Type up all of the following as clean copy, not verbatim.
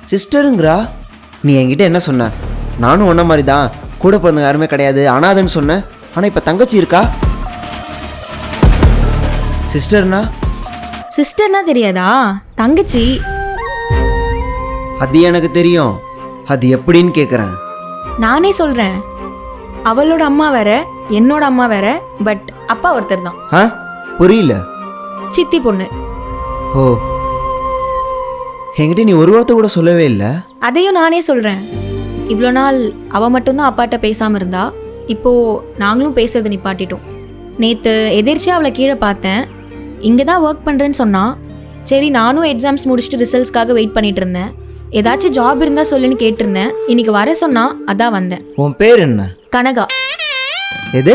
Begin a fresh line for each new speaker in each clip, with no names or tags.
சிஸ்டருங்கிறா? நீ என்கிட்ட என்ன சொன்ன? நானும் ஒன்றை மாதிரி தான், கூட பிறந்த யாருமே கிடையாது, அனாதன்னு சொன்னேன். ஆனால் இப்போ தங்கச்சி இருக்கா. சிஸ்டர்னா?
சிஸ்டர்னா தெரியாதா? தங்கச்சி.
அது எனக்கு தெரியும். அது எப்படின்னு கேட்குறேன்.
நானே சொல்கிறேன். அவளோட அம்மா வேற, என்னோட அம்மா வேற, பட் அப்பா ஒருத்தர் தான்.
ஆ, புரியல.
சித்தி பொண்ணு.
ஓ, என்கிட்ட நீ ஒரு வார்த்தை கூட சொல்லவே இல்லை.
அதையும் நானே சொல்கிறேன். இவ்வளோ நாள் அவள் மட்டும்தான் அப்பாட்ட பேசாமல் இருந்தா. இப்போது நாங்களும் பேசுறது நிப்பாட்டிட்டோம். நேற்று எதிர்ச்சியாக அவளை கீழே பார்த்தேன். இங்கே தான் ஒர்க் பண்ணுறேன்னு சொன்னான். சரி, நானும் எக்ஸாம்ஸ் முடிச்சுட்டு ரிசல்ட்ஸ்க்காக வெயிட் பண்ணிட்டு இருந்தேன். ஏதாச்சும் ஜாப் இருந்தால் சொல்லுன்னு கேட்டிருந்தேன். இன்னைக்கு வர சொன்னா, அதான் வந்தேன்.
உன் பேர் என்ன?
கனகா.
எது?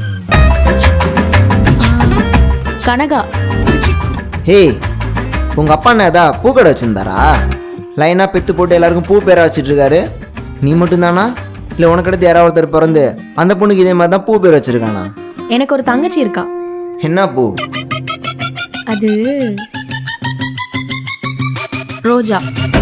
கனகா.
ஹே, உங்கள் அப்பா என்ன ஏதா பூக்கடை வச்சுருந்தாரா? லைனாக பெத்து போட்டு எல்லாருக்கும் பூ பேராக வச்சுட்ருக்காரு. நீ மட்டும்தானா? இல்லை உனக்கு அடுத்து யாராவது ஒருத்தர் பிறந்து அந்த பொண்ணுக்கு இதே மாதிரி தான் பூ பேர் வச்சுருக்கானா?
எனக்கு ஒரு தங்கச்சி இருக்கா.
என்ன பூ
அது? ரோஜா.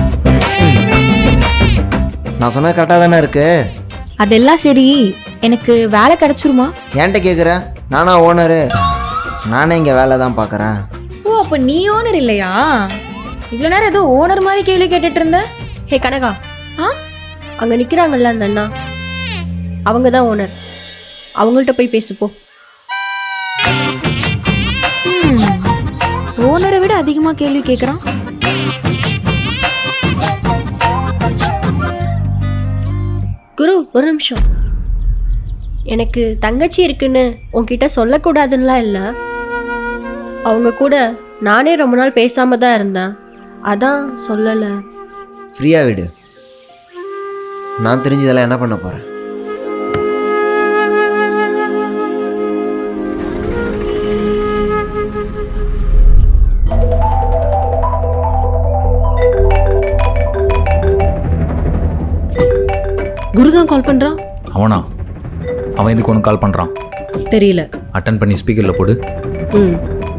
நான் சொன்னது கரெக்டாக தானே இருக்கு?
அதெல்லாம் சரி, எனக்கு வேலை கிடைச்சிருமா?
ஏன்ட்ட கேட்குறேன்? நானா ஓனரு? நானே இங்கே வேலை தான் பார்க்குறேன்.
ஓ, அப்போ நீ ஓனர் இல்லையா? இவ்வளோ நேரம் ஏதோ ஓனர் மாதிரி கேள்வி கேட்டுட்டு இருந்த.
ஹே கனகா,
ஆ,
அங்கே நிற்கிறாங்கல்ல அந்த அண்ணா, அவங்க தான் ஓனர். அவங்கள்ட்ட போய் பேசுப்போ.
ஓனரை விட அதிகமாக கேள்வி கேட்குறான்.
குரு, ஒரு நிமிஷம். எனக்கு தங்கச்சி இருக்குன்னு உன்கிட்ட சொல்லக்கூடாதுன்னெலாம் இல்லை. அவங்க கூட நானே ரொம்ப நாள் பேசாமல் தான் இருந்தேன், அதான் சொல்லலை.
ஃப்ரீயாக விடு. நான் தெரிஞ்சதெல்லாம் என்ன பண்ண போகிறேன்?
குருதான் கால் பண்ணுறான்.
அவனா? அவன் எதுக்கு ஒன்று கால் பண்ணுறான்
தெரியல.
அட்டன் பண்ணி ஸ்பீக்கரில் போடு.
ம்.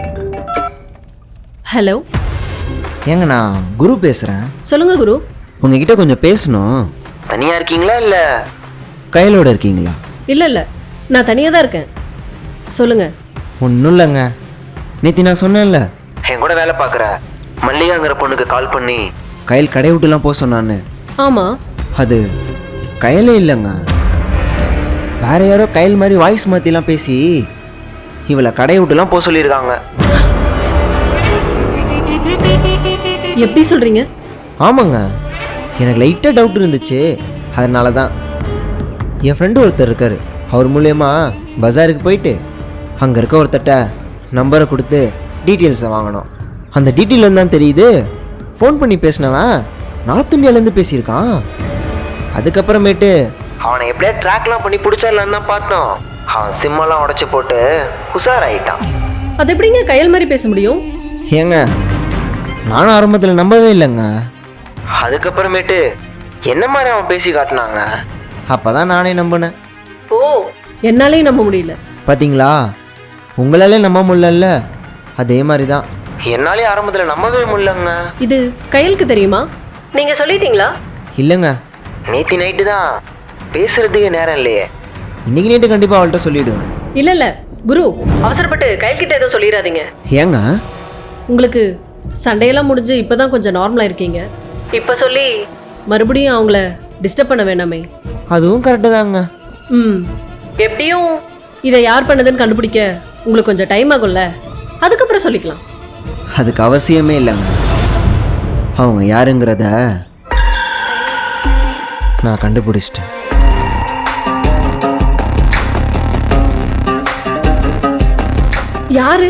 ஹலோ,
ஏங்க, நான் குரு பேசுகிறேன்.
சொல்லுங்க குரு.
உங்ககிட்ட கொஞ்சம் பேசணும். தனியாக இருக்கீங்களா இல்லை கையிலோட இருக்கீங்களா?
இல்லை இல்லை, நான் தனியாக தான் இருக்கேன். சொல்லுங்க.
ஒன்றும் இல்லைங்க. நேற்று நான் சொன்னேன்ல, என் கூட வேலை பார்க்குற மல்லிகாங்கிற பொண்ணுக்கு கால் பண்ணி கையில் கடை விட்டுலாம் போக சொன்னான்னு.
ஆமாம்.
அது கையிலே இல்லைங்க, வேற யாரோ கையில் மாதிரி வாய்ஸ் மாற்றிலாம் பேசி இவளை கடை விட்டுலாம் போக சொல்லியிருக்காங்க.
எப்படி சொல்கிறீங்க?
ஆமாங்க, எனக்கு லைட்டாக டவுட் இருந்துச்சு. அதனால தான் என் ஃப்ரெண்டு ஒருத்தர் இருக்கார். அவர் மூலயமா பஜாருக்கு போயிட்டு அங்கே இருக்க ஒருத்தட்ட நம்பரை கொடுத்து டீட்டெயில்ஸை வாங்கினோம். அந்த டீட்டெயில் தான் தெரியுது, ஃபோன் பண்ணி பேசினவன் நார்த் இந்தியாவிலேருந்து பேசியிருக்கான். அதுக்கப்புறமேட்டு அவனை எப்படியா ட்ராக்லாம் பண்ணி பிடிச்சிடலான்னு தான் பார்த்தோம். அவன் சிம்மெல்லாம் உடச்சி போட்டு உஷாராயிட்டான்.
அது எப்படிங்க கையல் மாதிரி பேச முடியும்?
ஏங்க, நானும் ஆரம்பத்தில் நம்பவே இல்லைங்க. அதுக்கப்புறமேட்டு என்ன மாதிரி அவன் பேசி காட்டினாங்க. அப்போ தான் நானே நம்பினேன்.
ஓ, என்னாலேயும் நம்ப முடியல.
பார்த்தீங்களா, உங்களாலே நம்ப முடியல. அதே மாதிரி தான் என்னாலே ஆரம்பத்தில் நம்பவே முடியலங்க.
இது கையலுக்கு தெரியுமா? நீங்கள் சொல்லிட்டீங்களா?
இல்லைங்க, நேற்று நைட்டு தான், பேசுகிறதுக்கு நேரம் இல்லையே. இன்றைக்கி நைட்டு கண்டிப்பாக அவள்கிட்ட சொல்லிவிடுவேன்.
இல்லை இல்லை குரு, அவசரப்பட்டு கையல்கிட்ட எதுவும் சொல்லிடாதீங்க.
ஏங்க?
உங்களுக்கு சண்டையெல்லாம் முடிஞ்சு இப்போ தான் கொஞ்சம் நார்மலாக இருக்கீங்க. இப்போ சொல்லி மறுபடியும் அவங்கள டிஸ்டர்ப் பண்ண வேணாமே.
அதுவும் கரெக்டு தாங்க.
ம், எப்படியும் இதை யார் பண்ணதுன்னு கண்டுபிடிக்க உங்களுக்கு கொஞ்சம் டைம் ஆகும்ல, அதுக்கப்புறம் சொல்லிக்கலாம்.
அதுக்கு அவசியமே இல்லைங்க. அவங்க யாருங்கிறத நான் கண்டுபிடிச்சிட்டேன்.
யாரு?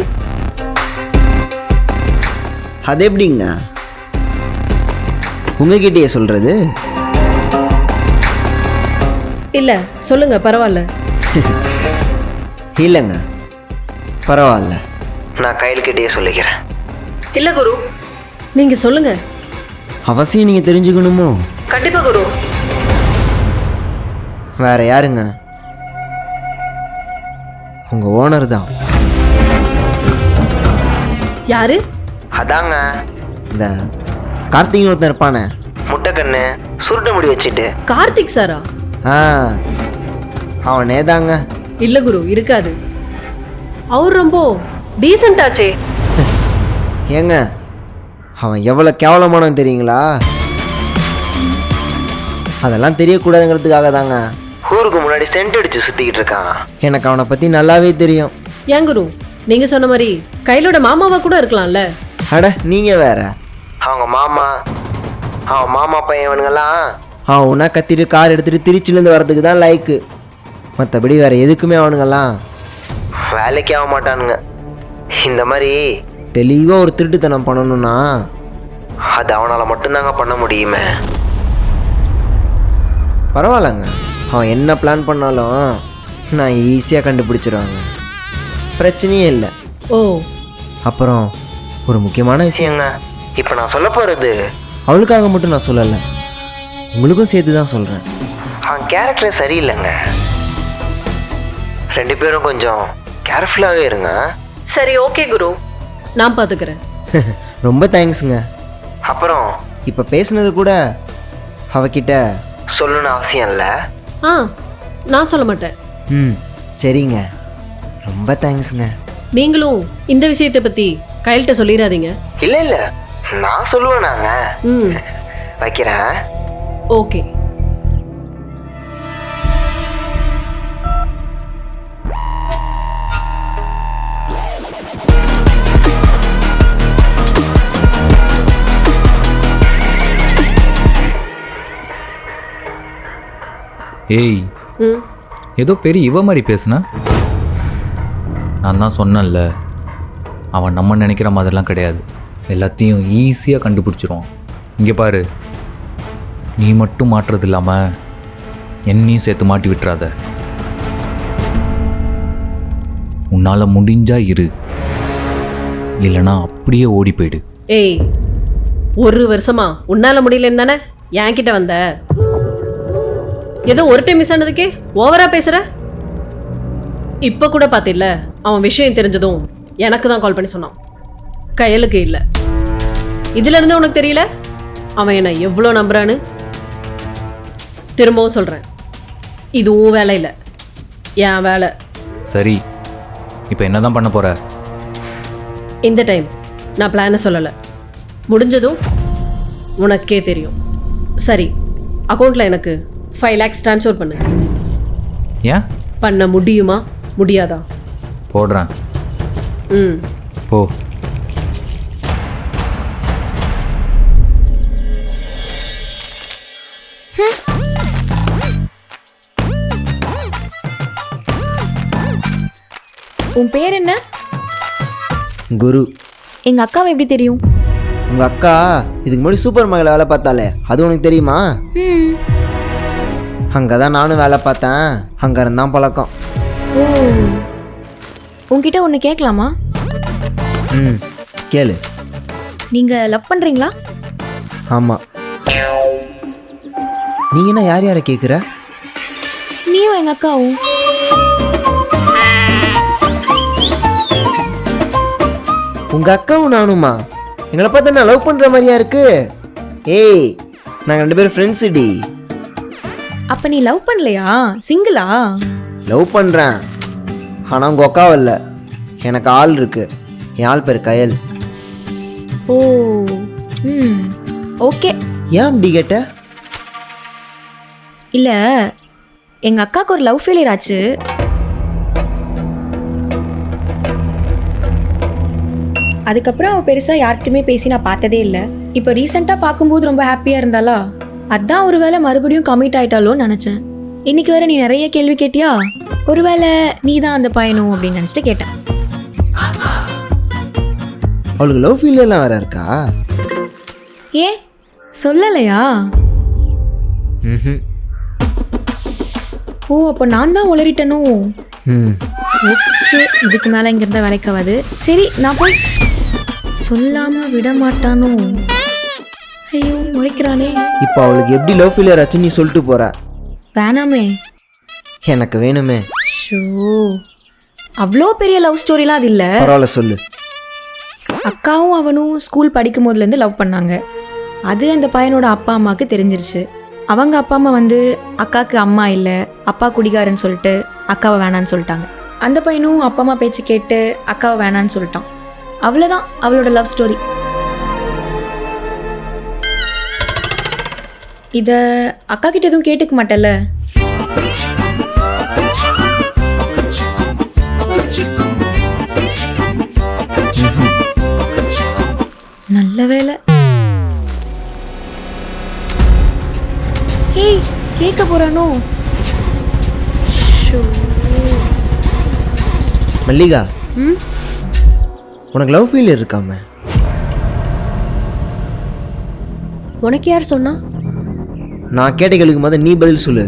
அது எப்படிங்க உங்ககிட்டயே சொல்றது?
இல்லை சொல்லுங்க, பரவாயில்ல.
இல்லைங்க, பரவாயில்ல, நான் கையில்கிட்டயே சொல்லிக்கிறேன்.
இல்லை குரு, நீங்க சொல்லுங்க.
அவசியம் நீங்கள் தெரிஞ்சுக்கணுமோ?
கண்டிப்பா குரு.
வேற யாருங்க, உங்க ஓனர் தான்.
யாரு?
அதாங்க இந்த கார்த்திக் ஒருத்தன் இருப்பானே, முட்டைக்கண்ணு சுருட்ட முடி வச்சுட்டு.
கார்த்திக் சாரா?
ஆ அவனே தாங்க.
இல்ல குரு, இருக்காது. அவர் ரொம்ப டீசென்ட் ஆச்சே.
ஏங்க அவன் எவ்வளோ கேவலமானவன் தெரியுங்களா? அதெல்லாம் தெரியக்கூடாதுங்கிறதுக்காக தாங்க ஊருக்கு முன்னாடி சென்ட் அடிச்சு சுற்றிக்கிட்டு இருக்கான். எனக்கு அவனை பற்றி நல்லாவே தெரியும்.
ஏன் குரு, நீங்க சொன்ன மாதிரி கையிலோட மாமாவா கூட இருக்கலாம்ல.
அட நீங்கள் வேற. அவங்க மாமா, அவன் மாமா பையனுங்கெல்லாம் அவன் ஒன்றா கத்திட்டு கார் எடுத்துகிட்டு திருச்சிலேருந்து வர்றதுக்கு தான் லைக்கு. மற்றபடி வேறு எதுக்குமே அவனுங்கெல்லாம் வேலைக்கு ஆக மாட்டானுங்க. இந்த மாதிரி தெளிவாக ஒரு திருட்டுத்தனம் பண்ணணும்னா அது அவனால் மட்டும்தாங்க பண்ண முடியுமே. பரவாயில்லங்க, அவன் என்ன பிளான் பண்ணாலும் நான் ஈஸியாக கண்டுபிடிச்சிருவாங்க, பிரச்சனையே இல்லை.
ஓ,
அப்புறம் ஒரு முக்கியமான விஷயங்க, இப்போ நான் சொல்ல போகிறது அவளுக்காக மட்டும் நான் சொல்லலை, உங்களுக்கும் சேர்த்து தான் சொல்கிறேன். அவன் கேரக்டரே சரியில்லைங்க. 2 பேரும் கொஞ்சம் கேர்ஃபுல்லாகவே இருங்க.
சரி, ஓகே குரு, நான் பார்த்துக்கிறேன்.
ரொம்ப தேங்க்ஸுங்க. அப்புறம் இப்போ பேசுனது கூட அவகிட்ட சொல்லணும்னு அவசியம் இல்லை.
ஆ, நான் சொல்ல மாட்டேன்.
ம் சரிங்க, ரொம்ப தேங்க்ஸுங்க.
நீங்களும் இந்த விஷயத்தை பற்றி கையில்கிட்ட சொல்லிடாதீங்க.
இல்லை இல்லை, நான் சொல்லுவேன். நாங்கள்
ம்,
வைக்கிறேன்.
ஓகே.
ஏய்,
ம்,
ஏதோ பெரிய இவ மாதிரி பேசுன. நான் தான் சொன்னேன்ல, அவன் நம்ம நினைக்கிற மாதிரிலாம் கிடையாது. எல்லாத்தையும் ஈஸியாக கண்டுபிடிச்சிருவான். இங்கே பாரு, நீ மட்டும் மாட்டுறது இல்லாமல் என்னையும் சேர்த்து மாட்டி விட்டுறாத. உன்னால் முடிஞ்சா இரு, இல்லைனா அப்படியே ஓடி போயிடு.
ஏய், 1 வருஷமா உன்னால முடியலன்னு தானே என்கிட்ட வந்த. ஏதோ ஒரு டைம் மிஸ் ஆனதுக்கே ஓவரா பேசுற. இப்ப கூட பாத்தில்ல, அவன் விஷயம் தெரிஞ்சதும் எனக்கு தான் கால் பண்ணி சொன்னான், கையலுக்கு இல்ல. இதுல இருந்து உனக்கு தெரியல அவன் என்ன எவ்வளோ நம்புறான்னு? திரும்பவும் சொல்றேன், இதுவும் வேலை இல்லை, என் வேலை.
சரி, இப்போ என்ன தான் பண்ண போகிற?
இந்த டைம் நான் பிளானை சொல்லலை, முடிஞ்சதும் உனக்கே தெரியும். சரி, அக்கௌண்ட்டில் எனக்கு 5 lakhs ட்ரான்ஸ்ஃபர் பண்ணு.
ஏன்?
பண்ண முடியுமா முடியாதா?
போடுறேன்.
ம்,
போ.
உன் பேர் என்ன?
குரு.
எங்கள் அக்காவை எப்படி தெரியும்?
உங்கள் அக்கா இதுக்கு முன்னாடி சூப்பர் மார்க்கெட்டில் வேலை பார்த்தாலே, அது உனக்கு தெரியுமா?
ம்.
அங்கே தான் நானும் வேலை பார்த்தேன், அங்கே இருந்தான் பழக்கம்.
ஓ, உங்ககிட்ட ஒன்று கேட்கலாமா?
ம் கேளு.
நீங்கள் லவ் பண்ணுறீங்களா?
ஆமாம். நீங்கள் என்ன யார் யாரை கேட்குற?
நீயும் எங்கள் அக்காவும்.
உங்கள் அக்காவும் நானுமா? எங்களை பார்த்தா நான் லவ் பண்ணுற மாதிரியா இருக்கு? ஏய், நாங்கள் 2 பேரும் ஃப்ரெண்ட்ஸு டி.
அப்போ நீ லவ் பண்ணலையா? சிங்கிளா?
லவ் பண்ணுறேன், ஆனால் உங்கள் அக்காவும் இல்லை, எனக்கு ஆள் இருக்கு. என் ஆள் பேர் கயல்.
ஓ, ம், ஓகே.
ஏன் அப்படி கேட்ட?
இல்லை, எங்கள் அக்காவுக்கு ஒரு லவ் ஃபெயிலியர் ஆச்சு. அதுக்கப்புறம் அவள் பெருசாக யார்கிட்டையுமே பேசி நான் பார்த்ததே இல்லை. இப்போ ரீசெண்டாக பார்க்கும்போது ரொம்ப ஹாப்பியாக இருந்தாளா, அதான் ஒரு வேளை மறுபடியும் கமிட் ஆயிட்டாலோன்னு நினச்சேன். இன்னைக்கு வேற நீ நிறைய கேள்வி கேட்டியா, ஒருவேளை நீ தான் அந்த பையனும் அப்படின்னு நினச்சிட்டு கேட்டேன்.
அவளுக்கு லவ் ஃபீலியர்லாம் வேற இருக்கா?
ஏன் சொல்லலையா?
ம்.
ஓ, அப்போ நான் தான் உளறிட்டனும்.
ம்.
ஓகே, இதுக்கு மேலே இங்கே இருந்தால் வேலைக்காவது. சரி, நான் போய் சொல்லாமல் விட மாட்டானோ. ஐயோ, முறைக்கிறானே.
இப்போ அவளுக்கு எப்படி லவ் ஃபீலியர் ஆச்சுன்னு நீ சொல்லிட்டு போற?
வேணாமே.
எனக்கு வேணுமே.
ஷோ, அவ்வளோ பெரிய லவ் ஸ்டோரிலாம் அது இல்லை.
பரவாயில்ல சொல்லு.
அக்காவும் அவனும் ஸ்கூல் படிக்கும் போதுலேருந்து லவ் பண்ணாங்க. அது அந்த பையனோட அப்பா அம்மாவுக்கு தெரிஞ்சிருச்சு. அவங்க அப்பா அம்மா வந்து அக்காவுக்கு அம்மா இல்லை, அப்பா குடிகாரன்னு சொல்லிட்டு அக்காவை வேணான்னு சொல்லிட்டாங்க. அந்த பையனும் அப்பா அம்மா பேச்சு கேட்டு அக்காவை வேணான்னு சொல்லிட்டான். அவ்வளோதான் அவளோட லவ் ஸ்டோரி. இதை அக்கா கிட்ட எதுவும் கேட்டுக்க மாட்டேல்ல? நல்ல வேலை. ஏய், கேட்க போறானோ?
மல்லிகா,
ம்
உனக்கு லவ் ஃபீல் இருக்காம?
உனக்கு யார் சொன்னா?
நான் கேட்ட கேள்விக்கு மாதிரி நீ பதில் சொல்லு.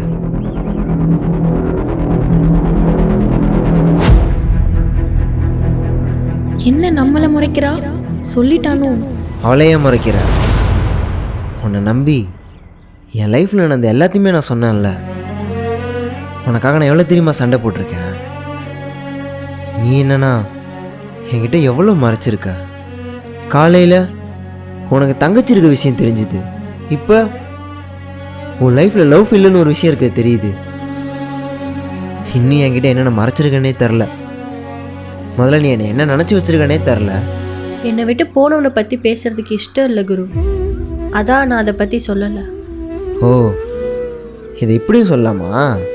என்ன நம்மளை முறைக்கிறா? சொல்லிட்டானோ?
அவளையே முறைக்கிற? உன்னை நம்பி என் லைஃப்பில் நடந்த எல்லாத்தையுமே நான் சொன்னேன்ல. உனக்காக நான் எவ்வளோ தெரியுமா சண்டை போட்டிருக்கேன். நீ என்னன்னா என்கிட்ட எவ்வளோ மறைச்சிருக்க. காலையில் உனக்கு தங்கச்சி இருக்க விஷயம் தெரிஞ்சுது. இப்போ உன் லைஃப்பில் லவ் ஃபீல்னு ஒரு விஷயம் இருக்க தெரியுது. இன்னும் என்கிட்ட என்னென்ன மறைச்சிருக்கனே தெரில. முதல்ல நீ என்ன நினச்சி வச்சிருக்கனே தெரில.
என்னை விட்டு போனவனை பற்றி பேசுறதுக்கு இஷ்டம் இல்லை குரு. அதான் நான் அதை பற்றி சொல்லலை.
ஓ, இதை இப்படியும் சொல்லலாமா?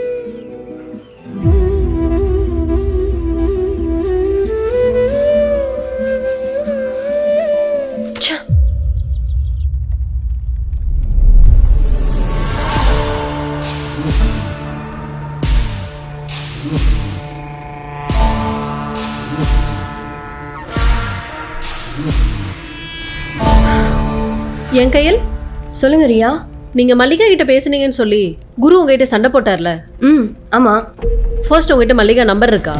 என் கையில்
சொல்லுங்க ரியா.
நீங்க மல்லிகா கிட்ட பேசுனீங்கன்னு சொல்லி குரு உங்ககிட்ட சண்டை போட்டார்ல?
ம் ஆமாம்.
ஃபர்ஸ்ட் உங்ககிட்ட மல்லிகா நம்பர் இருக்கா?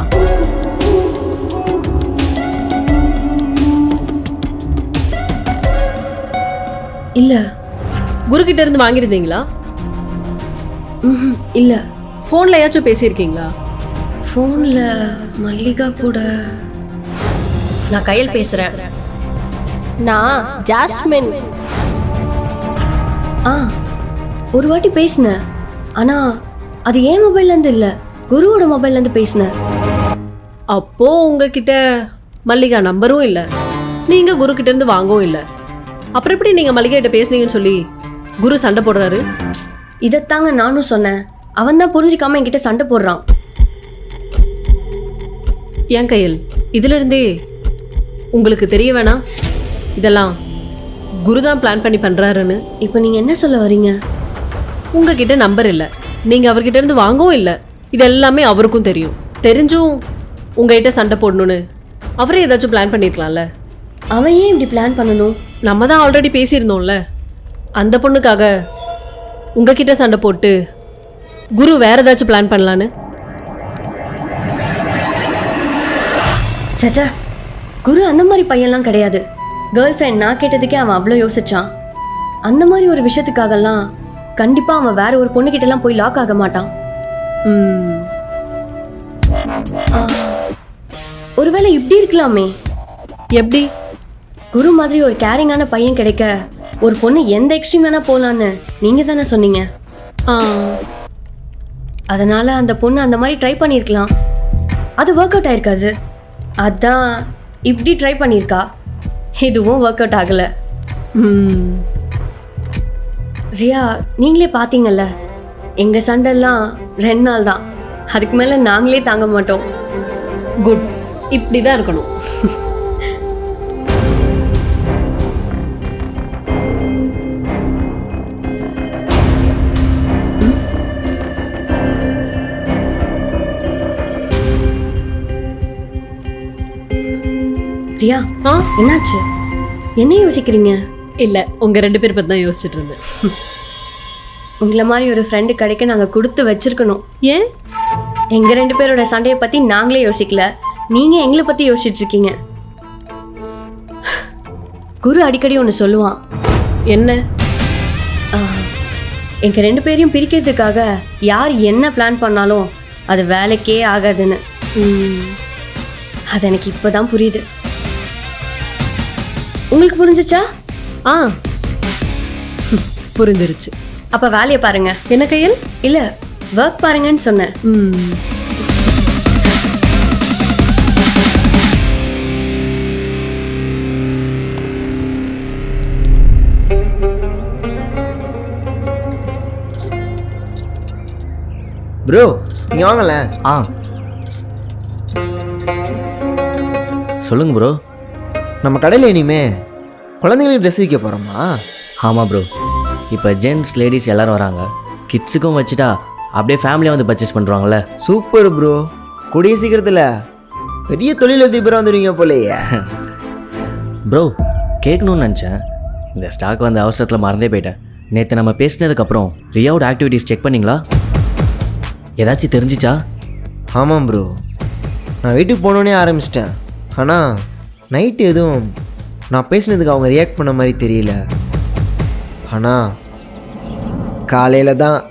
இல்லை.
குரு கிட்ட இருந்து வாங்கியிருந்தீங்களா?
ம் இல்லை.
ஃபோன்ல ஏதாச்சும் பேசியிருக்கீங்களா?
ஃபோனில் மல்லிகா கூட நான் கையில் பேசுகிறேன். நான் ஜாஸ்மின். ஒரு வாட்டி பேசினேன். ஆனால் அது என் மொபைல்லேருந்து இல்லை, குருவோட மொபைல்லேருந்து பேசினேன்.
அப்போ உங்ககிட்ட மல்லிகா நம்பரும் இல்லை, நீங்க குரு கிட்ட இருந்து வாங்கவும் இல்லை. அப்புறம் எப்படி நீங்க மல்லிகா கிட்ட பேசுனீங்கன்னு சொல்லி குரு சண்டை போடுறாரு?
இதைத்தாங்க நானும் சொன்னேன். அவன் தான் புரிஞ்சிக்காம என்கிட்ட சண்டை போடுறான்.
என் கையில் இதுல இருந்தே உங்களுக்கு தெரிய வேணாம் இதெல்லாம் குரு தான் பிளான் பண்ணி பண்றாருன்னு.
இப்போ நீங்கள் என்ன சொல்ல வரீங்க?
உங்ககிட்ட நம்பர் இல்லை, நீங்க அவர்கிட்ட இருந்து வாங்கவும் இல்லை. இது எல்லாமே அவருக்கும் தெரியும். தெரிஞ்சும் உங்ககிட்ட சண்டை போடணும்னு அவரே ஏதாச்சும் பிளான் பண்ணியிருக்கலாம்ல.
அவன் ஏன் இப்படி பிளான் பண்ணணும்?
நம்ம தான் ஆல்ரெடி பேசியிருந்தோம்ல, அந்த பொண்ணுக்காக உங்ககிட்ட சண்டை போட்டு குரு வேற ஏதாச்சும் பிளான் பண்ணலான்னு.
சச்சா, குரு அந்த மாதிரி பையன்லாம் கிடையாது. கேர்ள் ஃப்ரெண்ட் நான் கேட்டதுக்கே அவன் அவ்வளோ யோசிச்சான். அந்த மாதிரி ஒரு விஷயத்துக்காகலாம் கண்டிப்பாக அவன் வேற ஒரு பொண்ணுக்கிட்டலாம் போய் லாக் ஆக மாட்டான். ஒருவேளை இப்படி இருக்கலாமே.
எப்படி?
குரு மாதிரி ஒரு கேரிங்கான பையன் கிடைக்க ஒரு பொண்ணு எந்த எக்ஸ்ட்ரீம் வேணா போகலான்னு நீங்கள் தானே சொன்னீங்க. அதனால அந்த பொண்ணு அந்த மாதிரி ட்ரை பண்ணியிருக்கலாம். அது ஒர்க் அவுட் ஆயிருக்காது. அதான் இப்படி ட்ரை பண்ணியிருக்கா. இதுவும் ஒர்க் அவுட் ஆகலை. ரியா, நீங்களே பார்த்தீங்கல்ல, எங்கள் சண்டெல்லாம் 2 நாள் தான். அதுக்கு மேலே நாங்களே தாங்க மாட்டோம்.
குட், இப்படி தான் இருக்கணும்.
ரியா, என்னாச்சு? என்ன யோசிக்கிறீங்க?
இல்லை, உங்கள் 2 பேர் பற்றி தான் யோசிச்சுட்டு இருந்தேன்.
உங்களை மாதிரி ஒரு ஃப்ரெண்டு கிடைக்க நாங்கள் கொடுத்து வச்சிருக்கணும்.
ஏன்?
எங்கள் 2 பேரோட சண்டையை பற்றி நாங்களே யோசிக்கல, நீங்கள் எங்களை பற்றி யோசிச்சுட்டு இருக்கீங்க. குரு அடிக்கடி ஒன்று சொல்லுவான்.
என்ன?
எங்கள் 2 பேரையும் பிரிக்கிறதுக்காக யார் என்ன பிளான் பண்ணாலும் அது வேலைக்கே ஆகாதுன்னு. அது எனக்கு இப்போ தான் புரியுது. உங்களுக்கு புரிஞ்சிச்சா?
புரிஞ்சிருச்சு.
அப்ப வேலையை பாருங்க.
என்ன கையல்?
இல்ல ஒர்க் பாருங்கன்னு சொன்னேன்.
ப்ரோ நீங்க வாங்கல.
ஆ சொல்லுங்க ப்ரோ.
நம்ம கடையில் இனிமே குழந்தைங்களுக்கு ட்ரெஸ் விற்க போகிறோமா?
ஆமாம் ப்ரோ, இப்போ ஜென்ட்ஸ் லேடிஸ் எல்லோரும் வராங்க. கிட்ஸுக்கும் வச்சுட்டா அப்படியே ஃபேமிலியாக வந்து பர்ச்சேஸ் பண்ணுறாங்களே.
சூப்பர் ப்ரோ, கூடிய சீக்கிரத்தில் பெரிய தொழிலதிபராக வந்துடுவீங்க போலேயே.
ப்ரோ கேட்கணும்னு நினச்சேன், இந்த ஸ்டாக் வந்து அவசரத்தில் மறந்தே போயிட்டேன். நேற்று நம்ம பேசினதுக்கப்புறம் ரியாவோட ஆக்டிவிட்டீஸ் செக் பண்ணிங்களா? ஏதாச்சும் தெரிஞ்சிச்சா?
ஆமாம் ப்ரோ, நான் வீட்டுக்கு போனோன்னே ஆரம்பிச்சிட்டேன். ஆனால் நைட்டு எதுவும் நான் பேசினதுக்கு அவங்க ரியாக்ட் பண்ண மாதிரி தெரியல. ஆனால் காலையில் தான்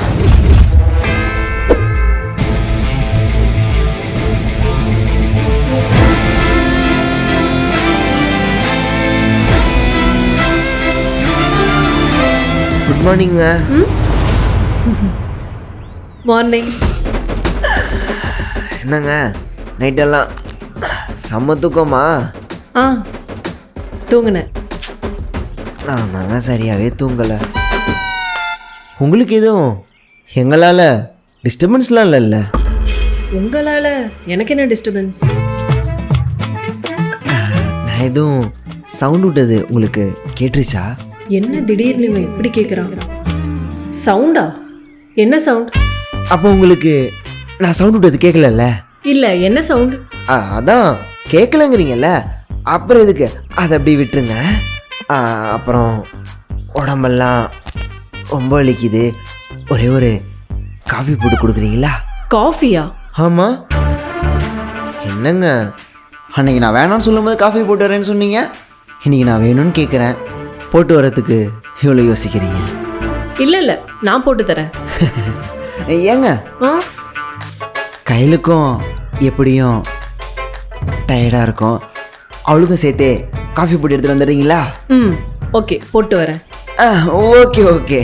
குட் மார்னிங்க.
மார்னிங்.
என்னங்க நைட்டெல்லாம் செம்ம தூக்கமா?
ஆ தூங்குனேன்.
நான் தாங்க சரியாகவே தூங்கலை. உங்களுக்கு எதுவும் எங்களால் டிஸ்டர்பன்ஸ்லாம் இல்லைல்ல?
உங்களால் எனக்கு என்ன டிஸ்டர்பன்ஸ்?
நான் எதுவும் சவுண்ட் விட்டது உங்களுக்கு கேட்டுருச்சா?
என்ன திடீர்னு இவன் இப்படி கேட்குறான்? சவுண்டா? என்ன சவுண்ட்?
அப்போ உங்களுக்கு நான் சவுண்ட் விட்டது கேட்கலல்ல?
இல்லை, என்ன சவுண்ட்?
அதான் கேட்கலங்கிறீங்கல்ல, அப்புறம் எதுக்கு அதை அப்படி விட்டுருங்க. அப்புறம் உடம்பெல்லாம் ரொம்ப வலிக்குது, ஒரே ஒரு காஃபி போட்டு கொடுக்குறீங்களா?
காஃபியா?
ஆமாம். என்னங்க அன்னைக்கு நான் வேணாம்னு சொல்லும்போது காஃபி போட்டு வரேன்னு சொன்னீங்க, இன்றைக்கி நான் வேணும்னு கேட்குறேன், போட்டு வரத்துக்கு இவ்வளோ யோசிக்கிறீங்க?
இல்லை இல்லை, நான் போட்டு தரேன்.
ஏங்க
ஆ
கையிலுக்கும் எப்படியும் டயர்டாக இருக்கும், அவளுக்கும் சேர்த்தே காஃபி போட்டு எடுத்துகிட்டு வந்துடுறீங்களா?
ம் ஓகே, போட்டு வரேன்.
Okay okay.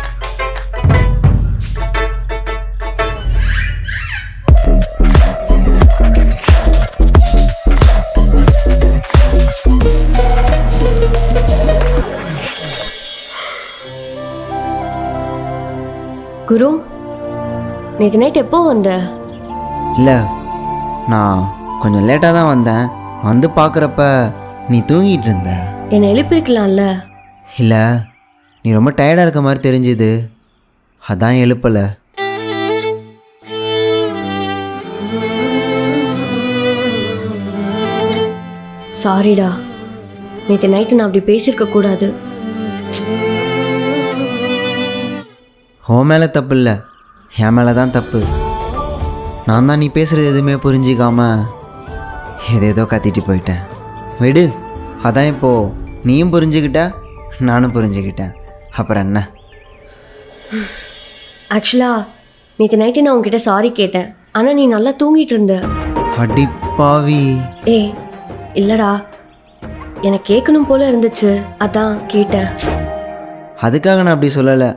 குரு, நேற்று நைட் எப்போ வந்த?
இல்லை, நான் கொஞ்சம் லேட்டாக தான் வந்தேன். வந்து பார்க்குறப்ப நீ தூங்கிட்டு இருந்த.
என்னை எழுப்பியிருக்கலாம்ல.
இல்லை, நீ ரொம்ப டயர்டாக இருக்க மாதிரி தெரிஞ்சுது, அதான் எழுப்பலை.
சாரிடா, நேற்று நைட்டு நான் அப்படி பேசியிருக்க கூடாது.
உன் மேலே தப்பு இல்லை, என் மேலே தான் தப்பு. நான் தான் நீ பேசுகிறது எதுவுமே புரிஞ்சிக்காம ஏதேதோ கத்திட்டு போயிட்டேன். விடு, அதான் இப்போது நீயும் புரிஞ்சுக்கிட்ட, நானும் புரிஞ்சுக்கிட்டேன், அப்புறம் என்ன?
ஆக்சுவலாக நேற்று நைட்டு நான் உங்ககிட்ட சாரி கேட்டேன், ஆனால் நீ நல்லா தூங்கிட்டு இருந்த.
அடிப்பாவி.
ஏய் இல்லைடா, எனக்கு கேட்கணும் போல இருந்துச்சு, அதான் கேட்டேன்.
அதுக்காக நான் அப்படி சொல்லலை.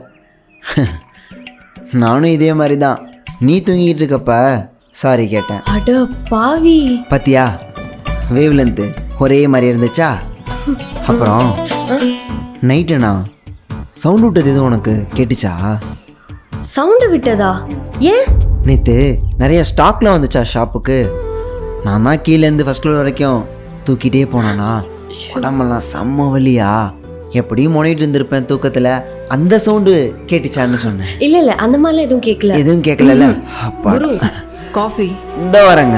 நானும் இதே மாதிரி தான் நீ தூங்கிட்டு இருக்கப்ப சாரி கேட்டேன்.
அட பாவி.
பத்தியா, வேவ் லென்த்து ஒரே மாதிரி இருந்துச்சா? அப்புறம் நைட்டு நான் சவுண்ட் விட்டது எதுவும் உனக்கு கேட்டுச்சா?
சவுண்டு விட்டதா? ஏன்?
நேற்று நிறைய ஸ்டாக்லாம் வந்துச்சா ஷாப்புக்கு, நான் தான் கீழேருந்து ஃபஸ்ட் ஃப்ளோர் வரைக்கும் தூக்கிட்டே போனானா, உடம்பெல்லாம் செம்ம வலியா, எப்படியும் முனைட்டு இருந்திருப்பேன் தூக்கத்தில், அந்த சவுண்டு கேட்டுச்சான்னு சொன்னேன்.
இல்லை இல்லை, அந்த மாதிரிலாம் எதுவும் கேட்கல.
எதுவும் கேட்கல? அப்பா,
குரு, காஃபி.
இந்த வரேங்க.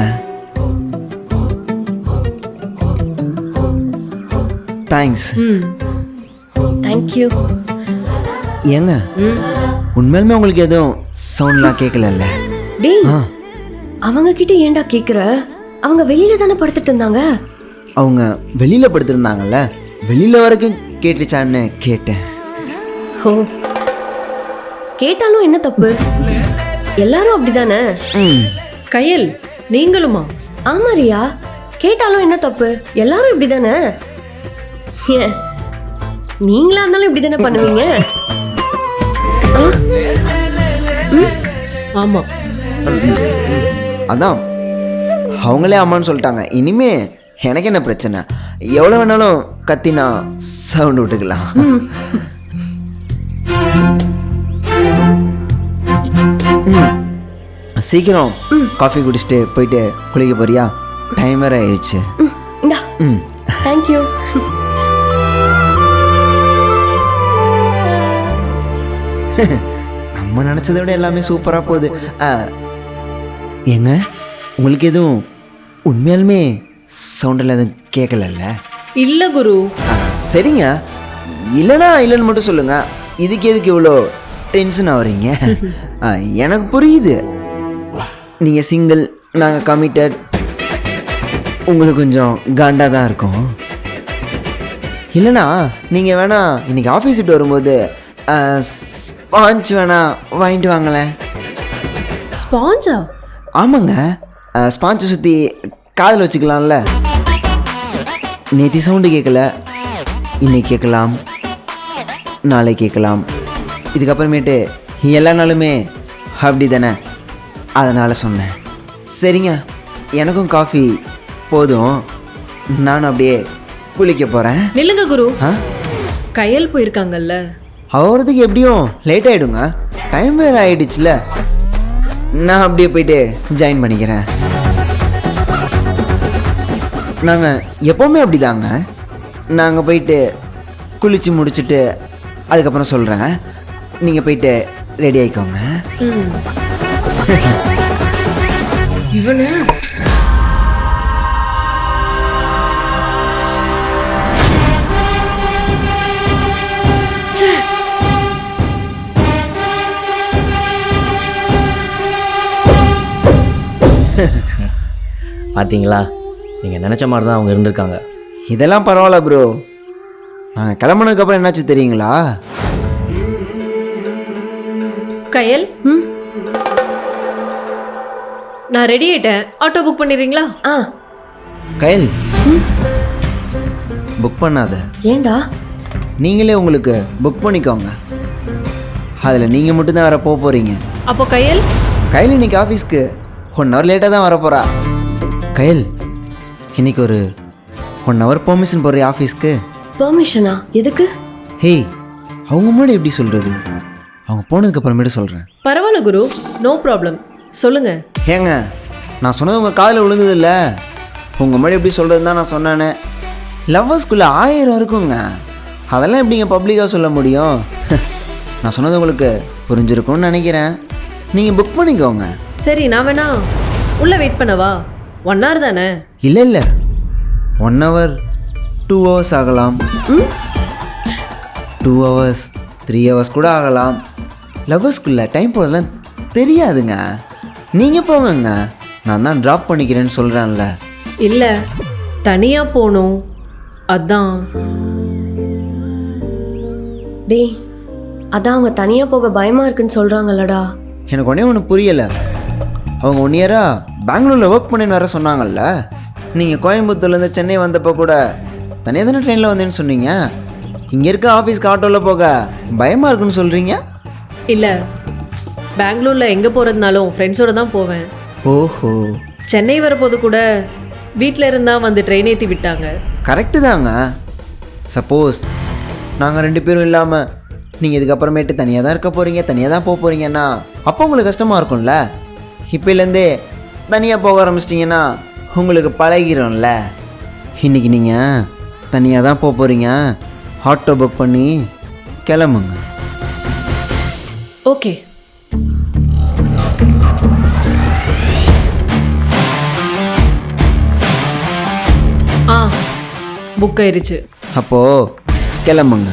தேங்க்ஸ்.
தேங்க்யூ.
ஏங்க உண்மையிலுமே உங்களுக்கு எதுவும் சவுண்ட்லாம் கேட்கலல்ல?
டேய்,
ஆ,
அவங்க கிட்ட ஏன்டா கேட்குற? அவங்க வெளியில தானே படுத்துட்டு இருந்தாங்க.
அவங்க வெளியில் படுத்திருந்தாங்கல்ல, வெளியில் வரைக்கும் கேட்டுச்சான்னு கேட்டேன்.
ஓ, கேட்டாலும் என்ன தப்பு? எல்லாரும் அப்படிதானே.
கையல், நீங்களுமா?
ஆமா ரியா, கேட்டாலும் என்ன தப்பு? எல்லாரும் இப்படிதானே. ஏன், நீங்களா இருந்தாலும் இப்படிதானே பண்ணுவீங்க?
ஆமா,
அதான் அவங்களே அம்மான்னு சொல்லிட்டாங்க. இனிமே எனக்கு என்ன பிரச்சனை? எவ்வளோ வேணாலும் கத்தி நான் சவுண்ட் விட்டுக்கலாம். சீக்கிரம் காஃபி குடிச்சிட்டு போயிட்டு குளிக்க போறியா? டைம் வேற ஆயிடுச்சு.
இந்தா தேங்க்யூ.
நம்ம நினச்சதை விட எல்லாமே சூப்பராக போகுது. ஏங்க, உங்களுக்கு எதுவும் உண்மையாலுமே சவுண்டில் எதுவும் கேட்கலல்ல?
இல்ல குரு.
சரிங்க, இல்லைனா இல்லைன்னு மட்டும் சொல்லுங்க. இதுக்கு எதுக்கு இவ்வளோ டென்ஷன் ஆகுறீங்க? எனக்கு புரியுது, நீங்கள் சிங்கிள், நாங்கள் கமிட்டட், உங்களுக்கு கொஞ்சம் காண்டாக தான் இருக்கும். இல்லைனா நீங்கள் வேணா இன்னைக்கு ஆஃபீஸ் விட்டு வரும்போது ஸ்பாஞ்ச் வேணா வாங்கிட்டு வாங்களேன்.
ஸ்பாஞ்சா?
ஆமாங்க, ஸ்பாஞ்சை சுற்றி காதில் வச்சுக்கலாம்ல. நேற்று சவுண்டு கேட்கல, இன்னைக்கு கேட்கலாம், நாளை கேட்கலாம், இதுக்கப்புறமேட்டு எல்லா நாளுமே அப்படி தானே, அதனால் சொன்னேன். சரிங்க, எனக்கும் காஃபி போதும், நானும் அப்படியே குளிக்க போகிறேன்.
நில்லுங்க குரு.
ஆ,
கையல் போயிருக்காங்கல்ல.
அவரதுக்கு எப்படியும் லேட் ஆகிடுங்க, டைம் வேறு ஆகிடுச்சுல. நான் அப்படியே போயிட்டு ஜாயின் பண்ணிக்கிறேன். நாங்கள் எப்போவுமே அப்படி தாங்க. நாங்கள் போயிட்டு குளித்து முடிச்சுட்டு அதுக்கப்புறம் சொல்கிறேன், நீங்கள் போயிட்டு ரெடி ஆகிக்கோங்க.
இவனு
பார்த்தீங்களா, நீங்கள் நினச்ச மாதிரி தான் அவங்க இருந்திருக்காங்க.
இதெல்லாம் பரவாயில்ல ப்ரோ. நாங்கள் கிளம்புனதுக்கப்புறம் என்னாச்சு தெரியுங்களா?
கையல், நான் ரெடி ஆயிட்டேன். ஆட்டோ புக் பண்ணிடுறீங்களா?
ஆ
கைல், புக் பண்ணாத,
ஏண்டா?
நீங்களே உங்களுக்கு புக் பண்ணிக்கோங்க. அதில் நீங்கள் மட்டும்தான் வர போக போகிறீங்க.
அப்போ கையல்,
கையில் இன்னைக்கு ஆஃபீஸ்க்கு 1 hour லேட்டாக தான் வரப்போகிறா. கைல், இன்னைக்கு ஒரு 1 hour பெர்மிஷன் போடுற ஆஃபீஸ்க்கு.
பெர்மிஷனா? எதுக்கு?
ஹேய், அவங்க முன்னாடி எப்படி சொல்கிறது? அவங்க போனதுக்கு அப்புறமேட்டு சொல்கிறேன்.
பரவாயில்ல குரு, நோ ப்ராப்ளம், சொல்லுங்க.
ஏங்க, நான் சொன்னது உங்கள் காதில் விழுந்தது இல்லை. உங்கள் முன்னாடி எப்படி சொல்கிறது தான் நான் சொன்னேனே. லவ்வர்ஸ்குள்ளே 1000 இருக்குங்க, அதெல்லாம் எப்படிங்க பப்ளிக்காக சொல்ல முடியும்? நான் சொன்னது உங்களுக்கு புரிஞ்சிருக்கும்னு நினைக்கிறேன். நீங்கள் புக் பண்ணிக்கோங்க.
சரி, நான் வேணா உள்ள வெயிட் பண்ணவா? 1 hour தானே?
இல்லை இல்லை, 1 hour 2 hours ஆகலாம், 2 hours 3 hours கூட ஆகலாம். லவ்வர்ஸ்குள்ளே டைம் போகிறதுலாம் தெரியாதுங்க. நீங்கள் போங்கங்க, நான் தான் ட்ராப் பண்ணிக்கிறேன்னு சொல்கிறேன்ல.
இல்ல, தனியா போகணும், அதான்.
டேய், அதான் அவங்க தனியா போக பயமா இருக்குன்னு சொல்றாங்கல்லடா.
எனக்கு ஒன்றே ஒன்று புரியலை. அவங்க 1 year பெங்களூரில் ஒர்க் பண்ணின்னு வர சொன்னாங்கல்ல. நீங்கள் கோயம்புத்தூர்லேருந்து சென்னை வந்தப்போ கூட தனியாக தானே ட்ரெயினில் வந்தேன்னு சொன்னீங்க. இங்கே இருக்க ஆஃபீஸ்க்கு ஆட்டோவில் போக பயமாக இருக்குன்னு சொல்கிறீங்க.
இல்ல, பெங்களூர்ல எங்க போறதுனாலும் ஃப்ரெண்ட்ஸோட தான் போவேன்.
ஓஹோ,
சென்னை வரப்போது கூட வீட்டில் இருந்தா வந்து ட்ரெயின் ஏற்றி விட்டாங்க.
கரெக்டு தாங்க. சப்போஸ் நாங்கள் 2 பேரும் இல்லாமல் நீங்கள் இதுக்கப்புறமேட்டு தனியாக தான் இருக்க போகிறீங்க, தனியாக தான் போக போகிறீங்கன்னா அப்போ உங்களுக்கு கஷ்டமாக இருக்கும்ல. இப்போலேருந்தே தனியாக போக ஆரம்பிச்சிட்டிங்கன்னா உங்களுக்கு பழகிரும்ல. இன்றைக்கி நீங்கள் தனியாக தான் போக போகிறீங்க, ஆட்டோ புக் பண்ணி கிளம்புங்க.
ஓகே. ஆ, புக் ஆயிருச்சு.
அப்போது கிளம்புங்க.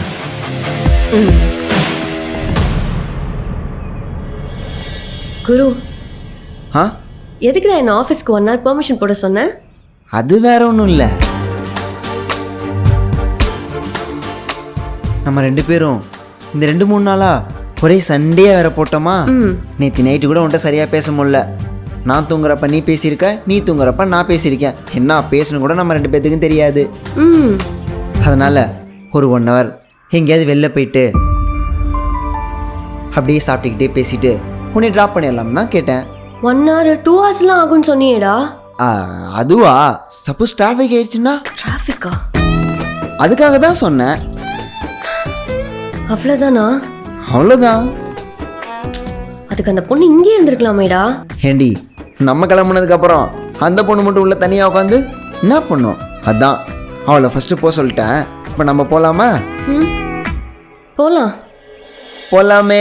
குரு,
ஆ,
எதுக்குடா என்ன ஆஃபீஸ்க்கு 1 hour பெர்மிஷன் போட சொன்னேன்?
அது வேற ஒன்றும் இல்லை. நம்ம 2 பேரும் இந்த 2-3 நாளாக ஒரே சண்டையாக வேற போட்டோமா. நேற்று நைட்டு கூட உன்ட்ட சரியாக பேச முடியல. நான் தூங்குறப்ப நீ பேசியிருக்க, நீ தூங்குறப்ப நான் பேசியிருக்கேன். என்ன பேசணும் கூட நம்ம 2 பேத்துக்கும் தெரியாது. அதனால் ஒரு 1 hour எங்கேயாவது வெளில போயிட்டு அப்படியே சாப்பிட்டுக்கிட்டே பேசிட்டு உன்னை ட்ராப் பண்ணிடலாம் தான் கேட்டேன்.
1 hour 2 hours ஆகும்னு சொன்னியேடா.
அதுவா, சப்போஸ் டிராஃபிக் ஆயிடுச்சுன்னா
டிராஃபிக்கா?
அதுக்காக தான் சொன்னேன்.
அவ்வளோதானா?
அவ்வளோதான்.
அதுக்கு அந்த பொண்ணு இங்கே இருந்திருக்கலாமேடா.
ஏண்டி, நம்ம கிளம்புனதுக்கப்புறம் அந்த பொண்ணு மட்டும் உள்ள தனியாக உட்காந்து என்ன பண்ணும்? அதான் அவளை ஃபஸ்ட்டு போக சொல்லிட்டேன். இப்போ நம்ம போகலாமா?
ம், போகலாம்.
போகலாமே.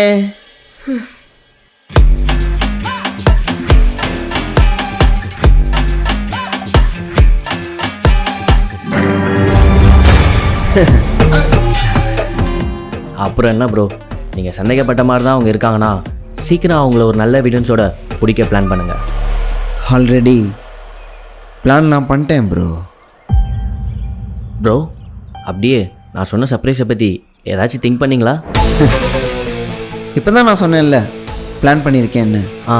அப்புறம் என்ன ப்ரோ, நீங்கள் சந்தேகப்பட்ட மாதிரி தான் அவங்க இருக்காங்கன்னா சீக்கிரம் அவங்கள ஒரு நல்ல எவிடன்ஸோட பிடிக்க பிளான் பண்ணுங்கள்.
ஆல்ரெடி பிளான் நான் பண்ணிட்டேன் ப்ரோ.
ப்ரோ, அப்படியே நான் சொன்ன சர்ப்ரைஸை பற்றி ஏதாச்சும் திங்க் பண்ணிங்களா?
இப்போ தான் நான் சொன்னேன்ல பிளான் பண்ணியிருக்கேன்னு.
ஆ,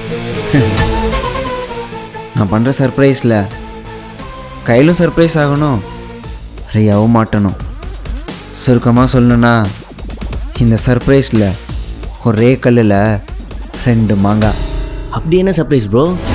நான் பண்ணுற சர்ப்ரைஸில் கையிலும் சர்ப்ரைஸ் ஆகணும், ரியாவும் மாட்டணும். சுருக்கமாக சொல்லணுன்னா இந்த சர்ப்ரைஸில் ஒரே கல்லில் 2 மாங்காய்.
அப்படி என்ன சர்ப்ரைஸ் ப்ரோ?